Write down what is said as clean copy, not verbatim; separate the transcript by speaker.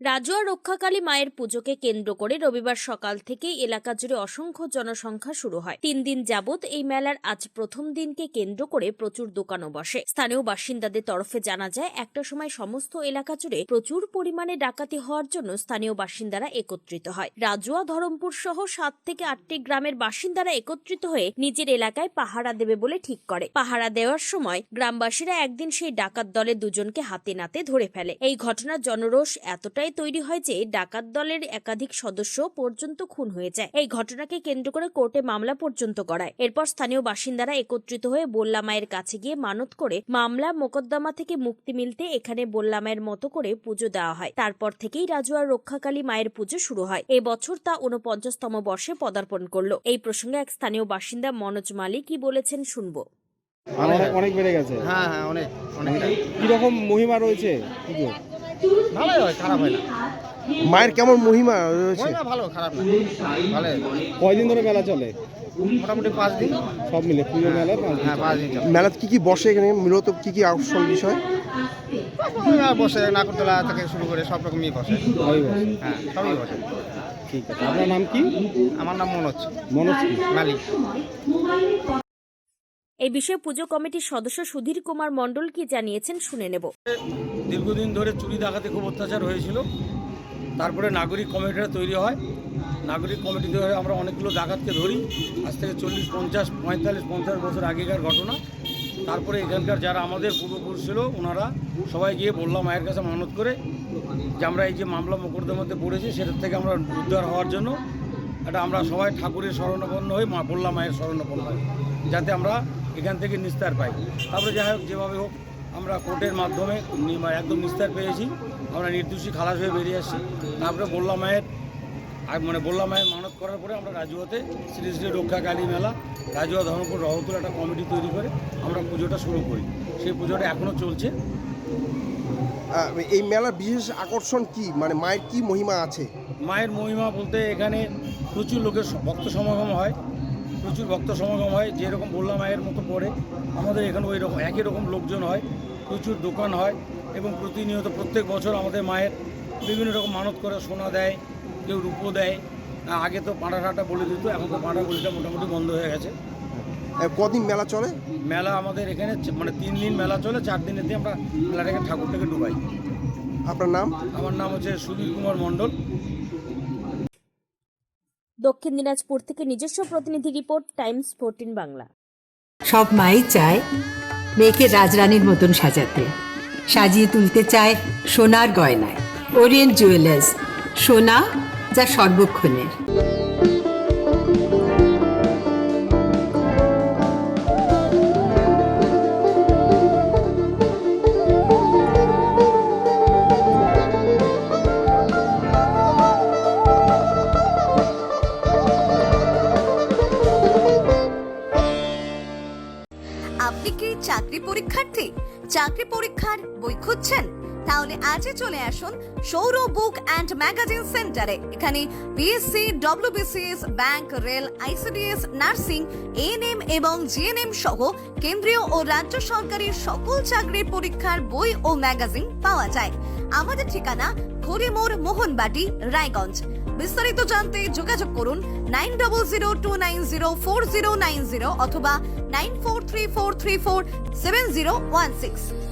Speaker 1: রাজুয়া রক্ষাকালী মায়ের পুজোকে কেন্দ্র করে রবিবার সকাল থেকেই এলাকা জুড়ে অসংখ্য জনসংখ্যা শুরু হয়। 3 দিন যাবৎ এই মেলার আজ প্রথম দিনকে কেন্দ্র করে প্রচুর দোকানও বসে। স্থানীয় বাসিন্দাদের তরফে জানা যায়, একটা সময় সমস্ত এলাকা জুড়ে প্রচুর পরিমাণে ডাকাতি হওয়ার জন্য স্থানীয় বাসিন্দারা একত্রিত হয়। রাজুয়া, ধরমপুর সহ 7 থেকে 8টি গ্রামের বাসিন্দারা একত্রিত হয়ে নিজের এলাকায় পাহারা দেবে বলে ঠিক করে। পাহারা দেওয়ার সময় গ্রামবাসীরা একদিন সেই ডাকাত দলের দুজনকে হাতে নাতে ধরে ফেলে। এই ঘটনার জনরোষ এতটাই তৈরি হয় যে ডাকাত দলের একাধিক সদস্য পর্যন্ত খুন হয়ে যায়। এই ঘটনাকে কেন্দ্র করে কোর্টে মামলা পর্যন্ত করায়। এরপর স্থানীয় বাসিন্দারা একত্রিত হয়ে বল্লা মায়ের কাছে গিয়ে মানত করে মামলা মোকদ্দমা থেকে মুক্তি মিলতে এখানে বল্লা মায়ের মতো করে পুজো দেওয়া হয়। তারপর থেকেই রাজুয়ার রক্ষাকালী মায়ের পুজো শুরু হয়। এই বছর তা 49তম বর্ষে পদার্পণ করলো। এই প্রসঙ্গে এক স্থানীয় বাসিন্দা মনোজ মালিক কি বলেছেন শুনবো।
Speaker 2: অনেক বেড়ে গেছে।
Speaker 3: হ্যাঁ অনেক
Speaker 2: কিরকম মহিমা রয়েছে পুজো?
Speaker 3: ভালোই হয়, খারাপ হয় না।
Speaker 2: মায়ের কেমন মহিমা রয়েছে?
Speaker 3: ভালো, খারাপ না, ভালো।
Speaker 2: কয়দিন ধরে মেলা চলে?
Speaker 3: মোটামুটি 5 দিন
Speaker 2: সব মিলে পুজো মেলা 5 দিন।
Speaker 3: হ্যাঁ 5 দিন চলে।
Speaker 2: মেলাতে কি বসে এখানে মূলত কি আকর্ষণ বিষয়?
Speaker 3: বসে নাগরদোলা থেকে শুরু করে সব রকমই বসে।
Speaker 2: সবই বসে।
Speaker 3: হ্যাঁ সবই বসে।
Speaker 2: ঠিক আছে, আপনার নাম কি?
Speaker 3: আমার নাম মনোজ
Speaker 2: মালিক।
Speaker 1: এই বিষয়ে পুজো কমিটির সদস্য সুধীর কুমার মণ্ডল কি জানিয়েছেন শুনে নেব।
Speaker 4: দীর্ঘদিন ধরে চুরি ডাকাতি খুব অত্যাচার হয়েছিল। তারপরে নাগরিক কমিটিটা তৈরি হয়। নাগরিক কমিটি ধরে আমরা অনেকগুলো ডাকাতকে ধরি। আজ থেকে 40, 50, 45, 50 বছর আগেকার ঘটনা। তারপরে এখানকার যারা আমাদের পূর্বপুরুষ ছিল ওনারা সবাই গিয়ে বল্লা মায়ের কাছে মানত করে যে আমরা এই যে মামলা মোকদ্দমাতে পড়েছি সেটার থেকে আমরা উদ্ধার হওয়ার জন্য এটা আমরা সবাই ঠাকুরের শরণাপন্ন হই, বল্লা মায়ের শরণাপন্ন হই, যাতে আমরা এখান থেকে নিস্তার পাই। তারপরে যাই হোক, যেভাবে হোক আমরা কোর্টের মাধ্যমে একদম নিস্তার পেয়েছি। আমরা নির্দোষী খালাস হয়ে বেরিয়ে আসছি। তারপরে বল্লা মায়ের মানত করার পরে আমরা রাজুয়াতে শ্রী শ্রী রক্ষাকালী মেলা, রাজুয়া ধর্মপুর রহতুল একটা কমিটি তৈরি করে আমরা পুজোটা শুরু করি। সেই পুজোটা এখনও চলছে।
Speaker 2: এই মেলার বিশেষ আকর্ষণ কি, মানে মায়ের কি মহিমা আছে?
Speaker 4: মায়ের মহিমা বলতে এখানে প্রচুর লোকের ভক্ত সমাগম হয়, যেরকম বল্লা মায়ের মতো পড়ে আমাদের এখানে ওই রকম একই রকম লোকজন হয়, প্রচুর দোকান হয় এবং প্রতিনিয়ত প্রত্যেক বছর আমাদের মায়ের বিভিন্ন রকম মানত করে সোনা দেয়, কেউ রূপো দেয়। আগে তো পাঁড়াটা বলে দিত, এখন তো পাঁড়া বলিটা মোটামুটি বন্ধ হয়ে গেছে।
Speaker 2: কদিন মেলা চলে?
Speaker 4: মেলা আমাদের এখানে 3 দিন মেলা চলে। 4 দিনের দিয়ে আমরা মেলাটাকে ঠাকুরটাকে ডুবাই।
Speaker 2: আপনার নাম?
Speaker 4: আমার নাম হচ্ছে সুধীর কুমার মণ্ডল।
Speaker 1: দক্ষিণ দিনাজপুর থেকে নিজস্ব প্রতিনিধি রিপোর্ট, টাইমস 14 বাংলা।
Speaker 5: সব মাই চায় মেয়েকে রাজরানীর মতন সাজাতে, সাজিয়ে তুলতে চায় সোনার গয়নায়। ওরিয়েন্ট জুয়েলার্স, সোনা যা সর্বক্ষণের।
Speaker 6: আপনি কি চাকরি পরীক্ষার্থী? চাকরি পরীক্ষার বই খুঁজছেন? তাহলে আজই চলে আসুন সৌরভ বুক অ্যান্ড ম্যাগাজিন সেন্টারে। এখানে BSC, WBCS, bank, rail, ICDS, nursing, ANM এবং জিএনএম সহ কেন্দ্রীয় ও রাজ্য সরকারের সকল চাকরির পরীক্ষার বই ও ম্যাগাজিন পাওয়া যায়। আমাদের ঠিকানা খড়িমোড়, মোহনবাটি, রায়গঞ্জ। বিস্তারিত জানতে যোগাযোগ করুন 9002904090 অথবা 9434347016।